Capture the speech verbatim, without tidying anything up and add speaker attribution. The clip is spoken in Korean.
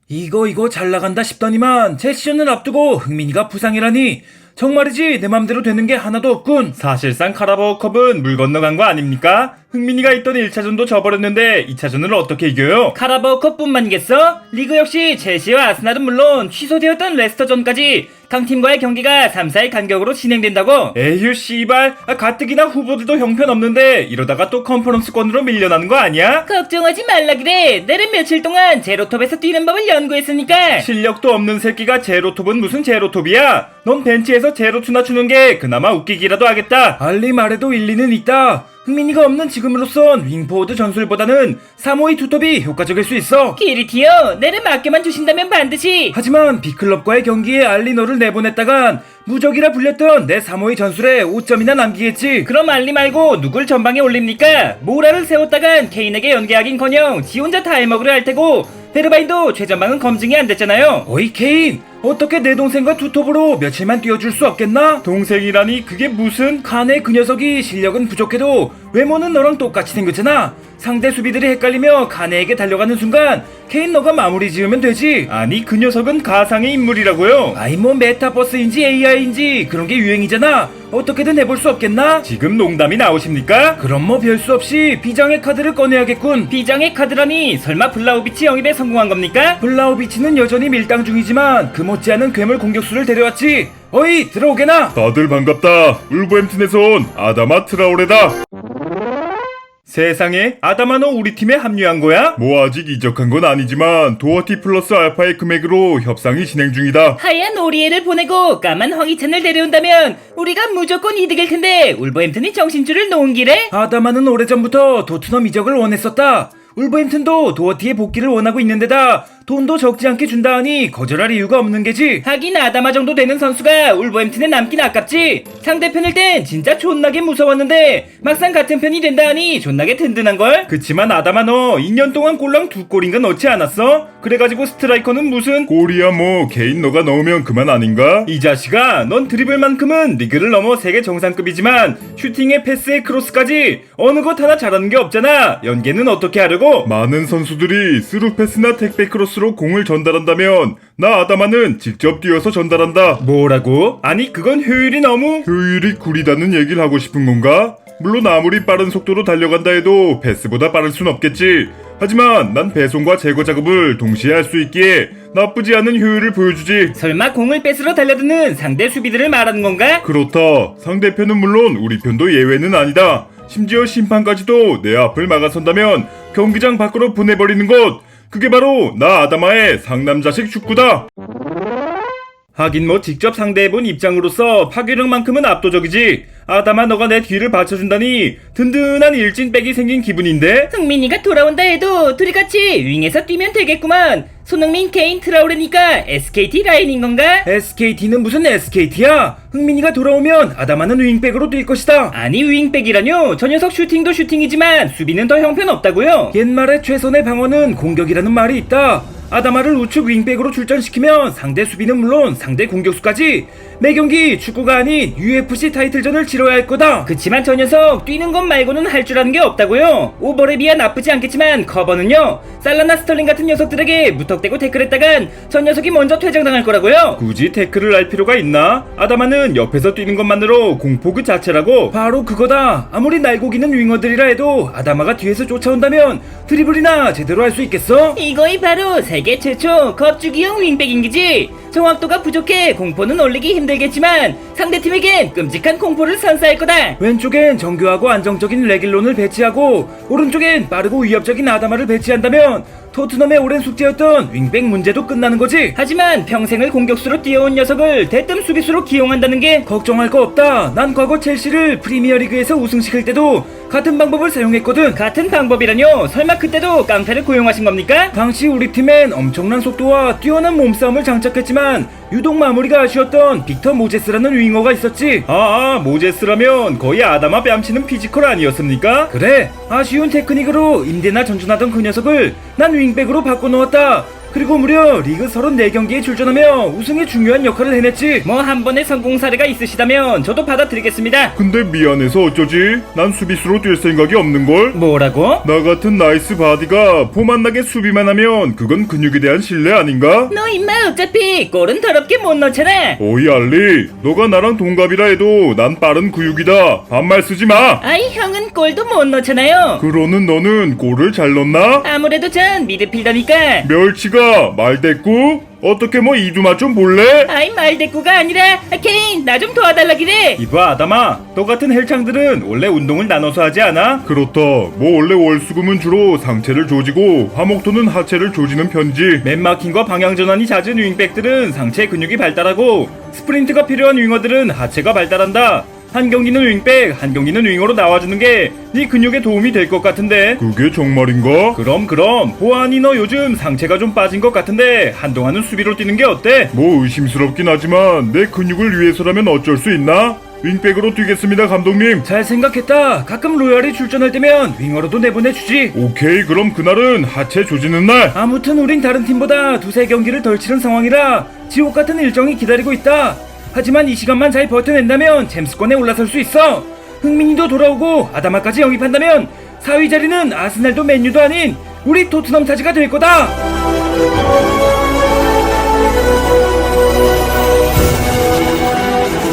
Speaker 1: 이거 이거 잘 나간다 싶더니만 제 시즌을 앞두고 흥민이가 부상이라니 정말이지 내 맘대로 되는 게 하나도 없군.
Speaker 2: 사실상 카라바오컵은 물 건너간 거 아닙니까? 흥민이가 있던 일 차전도 져버렸는데 이 차전을 어떻게 이겨요?
Speaker 3: 카라바오컵뿐만이겠어? 리그 역시 첼시와 아스날은 물론 취소되었던 레스터전까지 강팀과의 경기가 삼, 사일 간격으로 진행된다고?
Speaker 2: 에휴 씨발, 아, 가뜩이나 후보들도 형편없는데 이러다가 또 컨퍼런스권으로 밀려나는 거 아니야?
Speaker 3: 걱정하지 말라 그래. 내는 며칠 동안 제로톱에서 뛰는 법을 연구했으니까.
Speaker 2: 실력도 없는 새끼가 제로톱은 무슨 제로톱이야? 넌 벤치에서 제로투나 추는 게 그나마 웃기기라도 하겠다.
Speaker 1: 알리 말에도 일리는 있다. 흥민이가 없는 지금으로선 윙포워드 전술보다는 삼 오이 투톱이 효과적일 수 있어.
Speaker 3: 키리티요, 내를 맡겨만 주신다면 반드시.
Speaker 1: 하지만 B클럽과의 경기에 알리 너를 내보냈다간 무적이라 불렸던 내 삼 오이 전술에 오 점이나 남기겠지.
Speaker 3: 그럼 알리 말고 누굴 전방에 올립니까? 모라를 세웠다간 케인에게 연계하긴커녕 지 혼자 다 해먹으려 할 테고 베르바인도 최전방은 검증이 안 됐잖아요.
Speaker 1: 어이 케인, 어떻게 내 동생과 투톱으로 며칠만 뛰어줄 수 없겠나?
Speaker 2: 동생이라니 그게 무슨?
Speaker 1: 칸의 그 녀석이 실력은 부족해도 외모는 너랑 똑같이 생겼잖아. 상대 수비들이 헷갈리며 칸에게 달려가는 순간 케인 너가 마무리 지으면 되지.
Speaker 2: 아니 그 녀석은 가상의 인물이라고요?
Speaker 1: 아이 뭐 메타버스인지 에이아이인지 그런 게 유행이잖아. 어떻게든 해볼 수 없겠나?
Speaker 2: 지금 농담이 나오십니까?
Speaker 1: 그럼 뭐 별 수 없이 비장의 카드를 꺼내야겠군.
Speaker 3: 비장의 카드라니 설마 블라우비치 영입에 성공한 겁니까?
Speaker 1: 블라우비치는 여전히 밀당 중이지만 그 못지않은 괴물 공격수를 데려왔지. 어이 들어오게나.
Speaker 2: 다들 반갑다. 울버햄튼에서 온 아다마 트라오레다. 세상에, 아다마 너 우리 팀에 합류한 거야? 뭐 아직 이적한 건 아니지만 도어티 플러스 알파의 금액으로 협상이 진행 중이다.
Speaker 3: 하얀 오리에를 보내고 까만 황희찬을 데려온다면 우리가 무조건 이득일 텐데 울버햄튼이 정신줄을 놓은 길에?
Speaker 1: 아다마는 오래전부터 도트넘 이적을 원했었다. 울버햄튼도 도어티의 복귀를 원하고 있는데다 돈도 적지 않게 준다 하니 거절할 이유가 없는 게지.
Speaker 3: 하긴 아다마 정도 되는 선수가 울버햄튼에 남긴 아깝지. 상대편일 땐 진짜 존나게 무서웠는데 막상 같은 편이 된다 하니 존나게 든든한걸?
Speaker 2: 그치만 아다마 너 이 년 동안 골랑 두 골인가 넣지 않았어? 그래가지고 스트라이커는 무슨 골이야 뭐 개인 너가 넣으면 그만 아닌가? 이 자식아, 넌 드리블만큼은 리그를 넘어 세계 정상급이지만 슈팅에 패스에 크로스까지 어느 것 하나 잘하는 게 없잖아. 연계는 어떻게 하려고? 많은 선수들이 스루 패스나 택배 크로스로 공을 전달한다면 나 아다마는 직접 뛰어서 전달한다. 뭐라고? 아니 그건 효율이 너무 효율이 구리다는 얘기를 하고 싶은 건가? 물론 아무리 빠른 속도로 달려간다 해도 패스보다 빠를 순 없겠지. 하지만 난 배송과 제거 작업을 동시에 할 수 있기에 나쁘지 않은 효율을 보여주지.
Speaker 3: 설마 공을 뺏으러 달려드는 상대 수비들을 말하는 건가?
Speaker 2: 그렇다. 상대편은 물론 우리 편도 예외는 아니다. 심지어 심판까지도 내 앞을 막아선다면 경기장 밖으로 보내버리는 것, 그게 바로 나 아다마의 상남자식 축구다. 하긴 뭐 직접 상대해본 입장으로서 파괴력만큼은 압도적이지. 아다마 너가 내 뒤를 받쳐준다니 든든한 일진백이 생긴 기분인데?
Speaker 3: 흥민이가 돌아온다 해도 둘이 같이 윙에서 뛰면 되겠구만. 손흥민, 케인, 트라우레니까 에스케이티 라인인 건가?
Speaker 1: 에스케이티는 무슨 에스케이티야? 흥민이가 돌아오면 아다마는 윙백으로 뛸 것이다.
Speaker 3: 아니 윙백이라뇨? 저 녀석 슈팅도 슈팅이지만 수비는 더 형편없다고요?
Speaker 1: 옛말에 최선의 방어는 공격이라는 말이 있다. 아다마를 우측 윙백으로 출전시키면 상대 수비는 물론 상대 공격수까지 매경기 축구가 아닌 유에프씨 타이틀전을 치러야 할 거다.
Speaker 3: 그치만 저 녀석 뛰는 것 말고는 할 줄 아는 게 없다고요. 오버랩 이야 나쁘지 않겠지만 커버는요, 살라나 스털링 같은 녀석들에게 무턱대고 태클했다간 저 녀석이 먼저 퇴장당할 거라고요.
Speaker 2: 굳이 태클을 할 필요가 있나? 아다마는 옆에서 뛰는 것만으로 공포 그 자체라고.
Speaker 1: 바로 그거다. 아무리 날고기는 윙어들이라 해도 아다마가 뒤에서 쫓아온다면 드리블이나 제대로 할 수 있겠어?
Speaker 3: 이거이 바로 세계 최초 겁주기형 윙백인 기지. 정확도가 부족해 공포는 올리기 힘들겠지만 상대팀에겐 끔찍한 공포를 선사할 거다.
Speaker 1: 왼쪽엔 정교하고 안정적인 레길론을 배치하고 오른쪽엔 빠르고 위협적인 아다마를 배치한다면 토트넘의 오랜 숙제였던 윙백 문제도 끝나는 거지.
Speaker 3: 하지만 평생을 공격수로 뛰어온 녀석을 대뜸 수비수로 기용한다는 게
Speaker 1: 걱정할 거 없다. 난 과거 첼시를 프리미어리그에서 우승시킬 때도 같은 방법을 사용했거든.
Speaker 3: 같은 방법이라뇨? 설마 그때도 깡패를 고용하신 겁니까?
Speaker 1: 당시 우리 팀엔 엄청난 속도와 뛰어난 몸싸움을 장착했지만 유독 마무리가 아쉬웠던 빅터 모제스라는 윙어가 있었지.
Speaker 2: 아, 아 모제스라면 거의 아다마 뺨치는 피지컬 아니었습니까?
Speaker 1: 그래, 아쉬운 테크닉으로 임대나 전전하던 그 녀석을 난 윙백으로 바꿔놓았다. 그리고 무려 리그 서른네 경기에 출전하며 우승에 중요한 역할을 해냈지.
Speaker 3: 뭐 한 번의 성공 사례가 있으시다면 저도 받아들이겠습니다.
Speaker 2: 근데 미안해서 어쩌지? 난 수비수로 뛸 생각이 없는걸?
Speaker 3: 뭐라고?
Speaker 2: 나 같은 나이스 바디가 포만나게 수비만 하면 그건 근육에 대한 신뢰 아닌가?
Speaker 3: 너 임마 어차피 골은 더럽게 못 넣잖아.
Speaker 2: 오이 알리, 너가 나랑 동갑이라 해도 난 빠른 구육이다. 반말 쓰지 마.
Speaker 3: 아이 형은 골도 못 넣잖아요.
Speaker 2: 그러는 너는 골을 잘 넣나?
Speaker 3: 아무래도 전 미드필더니까.
Speaker 2: 멸치가 말대꾸? 어떻게 뭐 이두맛 좀 볼래?
Speaker 3: 아이 말대꾸가 아니라 아, 케인 나 좀 도와달라기래.
Speaker 1: 이봐 아담아, 너 같은 헬창들은 원래 운동을 나눠서 하지 않아?
Speaker 2: 그렇다. 뭐 원래 월수금은 주로 상체를 조지고 화목토는 하체를 조지는 편지.
Speaker 1: 맨마킹과 방향 전환이 잦은 윙백들은 상체 근육이 발달하고 스프린트가 필요한 윙어들은 하체가 발달한다. 한 경기는 윙백, 한 경기는 윙어로 나와주는 게 네 근육에 도움이 될 것 같은데.
Speaker 2: 그게 정말인가?
Speaker 1: 그럼 그럼 보아하니 너 요즘 상체가 좀 빠진 것 같은데 한동안은 수비로 뛰는 게 어때?
Speaker 2: 뭐 의심스럽긴 하지만 내 근육을 위해서라면 어쩔 수 있나? 윙백으로 뛰겠습니다 감독님.
Speaker 1: 잘 생각했다. 가끔 로얄이 출전할 때면 윙어로도 내보내주지.
Speaker 2: 오케이, 그럼 그날은 하체 조지는 날.
Speaker 1: 아무튼 우린 다른 팀보다 두세 경기를 덜 치른 상황이라 지옥 같은 일정이 기다리고 있다. 하지만 이 시간만 잘 버텨낸다면 잼스권에 올라설 수 있어. 흥민이도 돌아오고 아다마까지 영입한다면 사 위 자리는 아스날도 맨유도 아닌 우리 토트넘 차지가 될 거다.